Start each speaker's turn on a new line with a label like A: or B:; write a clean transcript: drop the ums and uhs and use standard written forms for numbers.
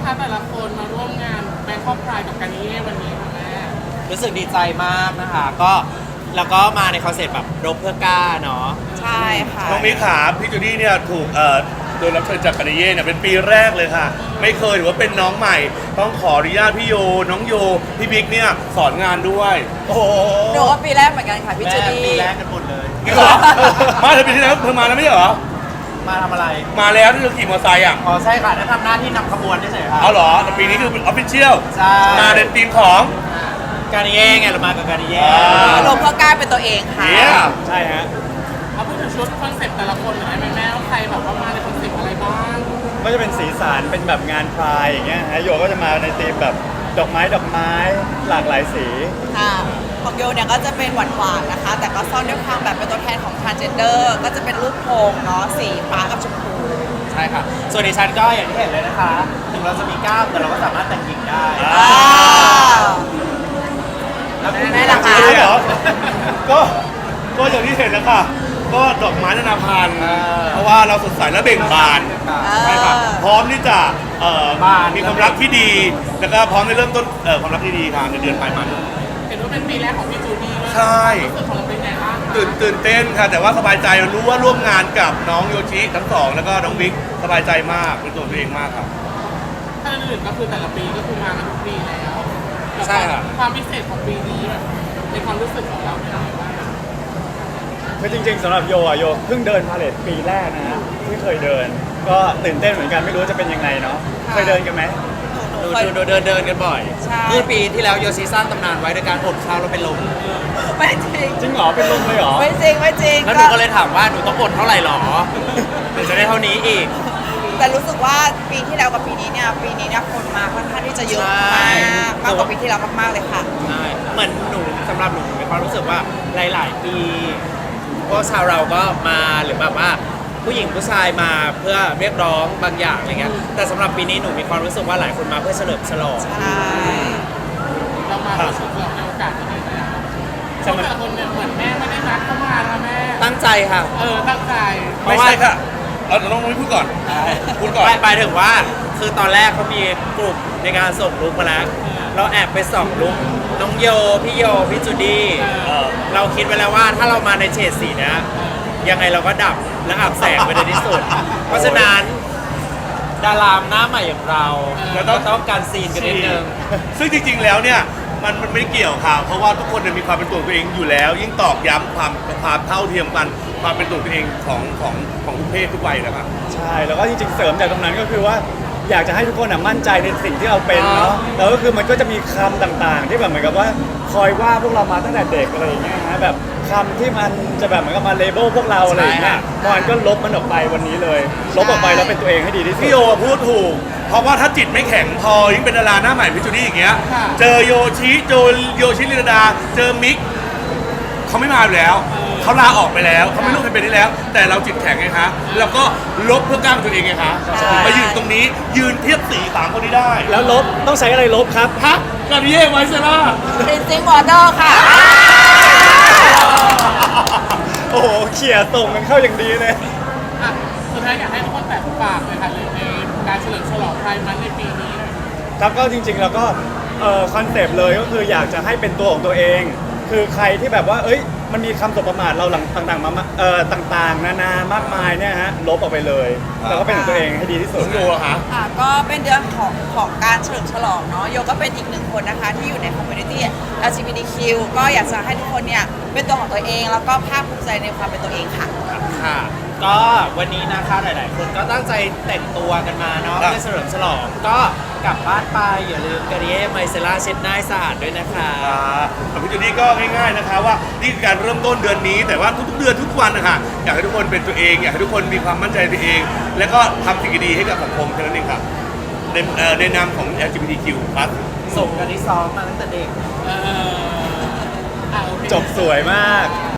A: คะแต่ละคนมาร่วมงานแบงคอกไพร์กับการนิเย่วันนี้ค่ะแม่
B: รู้สึกดีใจมากนะคะก็แล้วก็มาในคอนเซ็ปต์แบบรบเพื่อกล้าเนาะ
C: ใช่ค่ะ
D: น้องมิกขาพี่จูดี้เนี่ยถูกโดนรับเชิญจากกานิเย่เนี่ยเป็นปีแรกเลยค่ะไม่เคยถือว่าเป็นน้องใหม่ต้องขออนุญาตพี่โยน้องโยพี่บิ๊กเนี่ยสอนงานด้วยโอ้โห
C: หนูก็ปีแรกเหมือนกันค่ะพี่จูดี้
B: ปีแรกกันหมดเลย
D: จริงเหรอมาเธอปีที่แล้วเธอมาแล้วไม่ใช่เหรอ
B: มาทำอะไร
D: มาแล้วที่เธอขี่มอเตอร์ไซค์อ่ะ
B: อ๋อใช่ค่ะได้ทำหน้าที่นำขบวนเฉยๆค่ะ
D: เอาเหรอแต่ปีนี้คือเป็นออฟฟิเชียล
B: ใช่
D: มาในทีมของ
B: การนิเย่ไงเรามากับการนิเย่
C: ลงเพื่อกล้าเป็นตัวเองค่ะ
D: เยี่ยม
B: ใช่ฮะ
A: เอาพูดถึงชุดคอนเซ็ปต์แต่ละคนหน่อยได้ไหมแม่ว่าใครแบบว่ามาในคอนเซ็ปต์อะไรบ้าง
E: ก็จะเป็นสีสันเป็นแบบงานพรายอย่างเงี้ยฮะโยก็จะมาในธีมแบบดอกไม้หลากหลายสี
C: ค่ะของโยเนี่ยก็จะเป็นหวานๆนะคะ แต่ก็ซ่อนด้วยความแบบเป็นตัวแทนของ transgender ก็จะเป็นรูปโพงเนาะสีฟ้ากับชมพู
B: ใช่ค่ะส่วนดิฉันก็อย่างที่เห็นเลยนะคะถึงเราจะมีกล้ามแต่เราก็สามารถแต่งหญิงได้
C: แล้วแม่ล่ะคะ
D: จริงเหรอก็อย่างที่เห็นนะคะก็ดอกไม้นานาพันธุ์เพราะว่าเราสดใสและเบ่งบานใช่ค่ะพร้อมที่จะมีความรักที่ดี แล้วก็พร้อมในเริ่มต้นความรักที่ดีค่ะในเดือนปลายมัน
A: เห็นว่าเป็นปีแรกของพี่จูดี้ด้วย
D: ใช่
A: รู้สึกของเราเป็นไงบ้างคะ
D: ตื่นเต้นค่ะ แต่ว่าสบายใจรู้ว่าร่วมงานกับน้องโยชิทั้งสองแล้วก็น้องบิ๊กสบายใจมากเป็นตัวตัวเองมากครับ
A: ถ้าอื่นก็คือแต่ละปีก็คือมากันทุกปีแล้ว
B: ใช่ค่ะ
A: ความพิเศษของปีนี้แบบในความรู้สึกของเราเป็นยังไงบ้าง
E: คือจริงๆสำหรับโยอ่ะโยเพิ่งเดินพาเลทปีแรกนะฮะที่เคยเดิน ก็ตื่นเต้นเหมือนกันไม่รู้จะเป็นยังไงเนาะเคยเดินกันไหม
C: หนู
B: ดู
C: เคย
B: เดินกันบ่อย
C: ใช่
B: เมื่อปีที่แล้วโยซีสร้างตำนานไว้โดยการอดข้าวแล้วเป็นลม
C: ไม่จริง
E: จริงเหรอเป็นลมเลยเหรอ
C: ไม่จริงไม่จริง
B: แล้วหนูก็เลยถามว่าหนูต้องอดเท่าไหร่หรอถึงจะได้เท่านี้อีก
C: แต่รู้สึกว่าปีที่แล้วกับปีนี้เนี่ยคนมาค่อนข้างที่จะเยอะ
B: ใช่
C: มากกว่าปีที่แล้วมากๆเลยค่ะ
B: ใช่เหมือนหนูสำหรับหนูมีความรู้สึกว่าหลายๆปีพวกชาวเราก็มาหรือแบบว่าผู้หญิงผู้ชายมาเพื่อเรียกร้องบางอย่างอะไรเงี้ยแต่สำหรับปีนี้หนูมีความรู้สึกว่าหลายคนมาเพื่อเฉลิมฉลอง
C: ใช่
A: เรามาเป็นชุดเราในโอกาสที่ดีนะชุดแต่ละคนเนี่ยเหมือนแม่ไม่ได้นัดเข้ามานะแม่
B: ตั้งใจค่ะ
A: ตั้งใจ
D: ไม่ใช่ค่ะน้องนุ้ยพูดก่อนพูดก่อน
B: ไปถึงว่าคือตอนแรกเขามีกลุ่มในการส่งลุกมาแล้วเราแอบไปส่องลุกน้องโยพี่โยพี่จูดี้เราคิดไว้แล้วว่าถ้าเรามาในเฉดสีเนี้ยยังไงเราก็ดับและอับแสงไปในที่สุด เพราะฉะนั้นดารามหน้าใหม่อย่างเราเราต้องการซีนกันนิดนึง
D: ซึ่งจริงๆแล้วเนี่ยมันไม่เกี่ยวค่ะเพราะว่าทุกคนมีความเป็นตัวตัวเองอยู่แล้ว ยิ่งตอกย้ำความเท่าเทียมกันความเป็นตัวตัวเองของทุกเพศทุกวัยนะครับ
E: ใช่แล้วก็จริงๆเสริมจากตรงนั้นก็คือว่าอยากจะให้ทุกคนมั่นใจในสิ่งที่เราเป็นเนาะแล้วก็คือมันก็จะมีคำต่างๆ ที่แบบเหมือนกับว่าคอยว่าพวกเรามาตั้งแต่เด็กอะไรอย่างเงี้ยฮะแบบคำที่มันจะแบบเหมือนกับมาเลเบลพวกเราอะไรอย่างเงี้ยมันก็ลบมันออกไปวันนี้เลยลบออกไปแล้วเป็นตัวเองให้ดีที่สุด
D: พี่โยพูดถูก เพราะว่าถ้าจิตไม่แข็งพอยิ่งเป็นดาราหน้าใหม่พิจูดี้อย่างเงี้ยเจอโยชิลินดาเจอมิกเขาไม่มาอยู่แล้วเขาลาออกไปแล้วเขาไม่รู้ใครเป็นได้แล้ว แต่เราจิตแข็งไงคะเราก็ลบเพื่อกล้ามตัวเองไงคะมายืนตรงนี้ยืนเทียบสีสามคนนี้ได้
E: แล้วลบต้องใช้อะไรลบครับ
D: ฮะกานิเย่ไวเซล่า
C: Rinsing Water ค่ะ
E: โอ้โหเขี่ยส่งกันเข้าอย่างดีเลย
A: อ่ะสุดท้ายอยากให้ทุกคนแตะฝากเลยค่ะในการเฉลิมฉลองไพร์มันในปีนี้หน่อย
E: ครับก็จริงๆแล้วก็คอนเซปต์เลยก็คืออยากจะให้เป็นตัวของตัวเอง คือใครที่แบบว่าเอ้ยมันมีคำสบประมาทเราหลังต่างๆมาต่างๆนานามากมายเนี่ยฮะลบออกไปเลยแล้วก็เป็นของตัวเองให้ดีที่สุด
D: โยอะคะ
C: ก็เป็นเดือนของการเฉลิมฉลองเนาะโยก็เป็นอีกหนึ่งคนนะคะที่อยู่ในคอมมูนิตี้ LGBTQ ก็อยากจะให้ทุกคนเนี่ยเป็นตัวของตัวเองแล้วก็ภาคภูมิใจในความเป็นตัวเองค่ะ
B: ค่ะ ก็วันนี้นะคะหลาย ๆ คนก็ตั้งใจแต่งตัวกันมาเนาะเพื่อเฉลิมฉลองก็กลับบ้านไปอย่าลืมการิเย่ไมเซล่าเช็ดหน้าให้สะอาดด้วยนะคะ
D: ของพี่จูดี้ก็ง่ายๆนะคะว่านี่คือการเริ่มต้นเดือนนี้ แต่ว่าทุกๆเดือนทุกวันนะคะอยากให้ทุกคนเป็นตัวเอง อยากให้ทุกคนมีความมั่นใจในตัวเอง แล้วก็ทำสิ่งดีๆให้กับสังคมแค่นั้นเองครับในนามของ LGBTQ+
B: ส่งกันที่ซ้อมมาตั้งแต่เด็ก
A: โอเค
E: จบสวยมาก